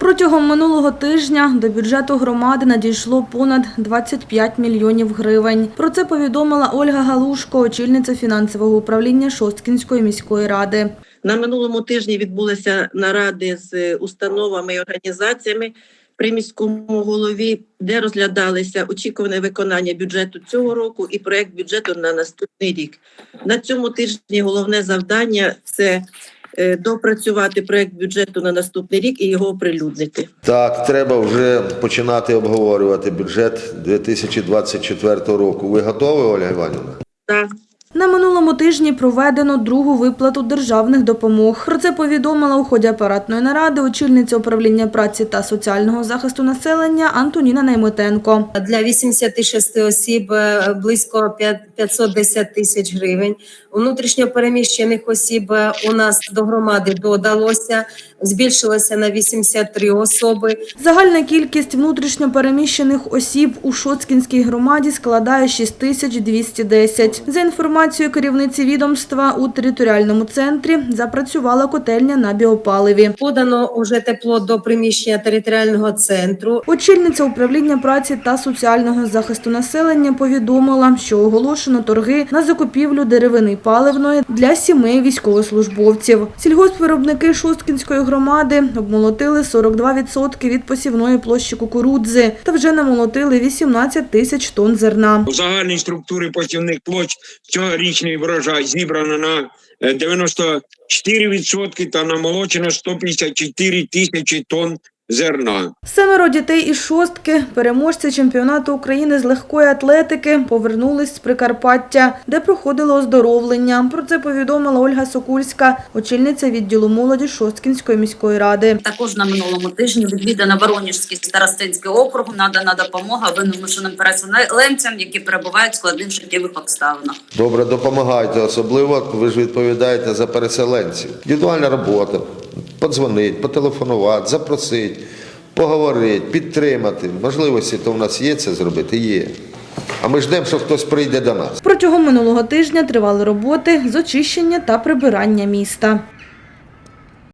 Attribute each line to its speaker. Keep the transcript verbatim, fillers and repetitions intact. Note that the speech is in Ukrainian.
Speaker 1: Протягом минулого тижня до бюджету громади надійшло понад двадцять п'ять мільйонів гривень. Про це повідомила Ольга Галушко, очільниця фінансового управління Шосткінської міської ради.
Speaker 2: На минулому тижні відбулися наради з установами і організаціями при міському голові, де розглядалися очікуване виконання бюджету цього року і проєкт бюджету на наступний рік. На цьому тижні головне завдання – це допрацювати проєкт бюджету на наступний рік і його оприлюднити.
Speaker 3: Так, треба вже починати обговорювати бюджет дві тисячі двадцять четвертого року. Ви готові, Ольга Іванівна?
Speaker 2: Так.
Speaker 1: На минулому тижні проведено другу виплату державних допомог. Про це повідомила у ході апаратної наради очільниця управління праці та соціального захисту населення Антоніна Найметенко.
Speaker 4: Для вісімдесяти шести осіб близько п'ятсот десять тисяч гривень. У внутрішньо переміщених осіб у нас до громади додалося, збільшилося на вісімдесят три особи.
Speaker 1: Загальна кількість внутрішньо переміщених осіб у Шосткінській громаді складає шість тисяч двісті десять. За інформацією керівниці відомства, у територіальному центрі запрацювала котельня на біопаливі.
Speaker 4: Подано уже тепло до приміщення територіального центру.
Speaker 1: Очільниця управління праці та соціального захисту населення повідомила, що оголошено торги на закупівлю деревини паливної для сімей військовослужбовців. Сільгоспвиробники Шосткінської громади обмолотили сорок два відсотки від посівної площі кукурудзи та вже намолотили вісімнадцять тисяч тонн зерна.
Speaker 5: У загальній структурі посівних площ цьогорічний врожай зібрано на дев'яносто чотири відсотки та намолочено сто п'ятдесят чотири тисячі тонн зерна.
Speaker 1: Семеро дітей із Шостки, переможці чемпіонату України з легкої атлетики, повернулись з Прикарпаття, де проходило оздоровлення. Про це повідомила Ольга Сокульська, очільниця відділу молоді Шосткінської міської ради.
Speaker 6: Також на минулому тижні відвідана Воронежський старостинський округ, надана допомога вимушеним переселенцям, які перебувають в складних життєвих обставинах.
Speaker 3: Добре, допомагайте, особливо ви ж відповідаєте за переселенців. Індивідуальна робота, подзвонити, потелефонувати, запросити, поговорити, підтримати. Можливості то в нас є це зробити? Є. А ми ждемо, що хтось прийде до нас.
Speaker 1: Протягом минулого тижня тривали роботи з очищення та прибирання міста.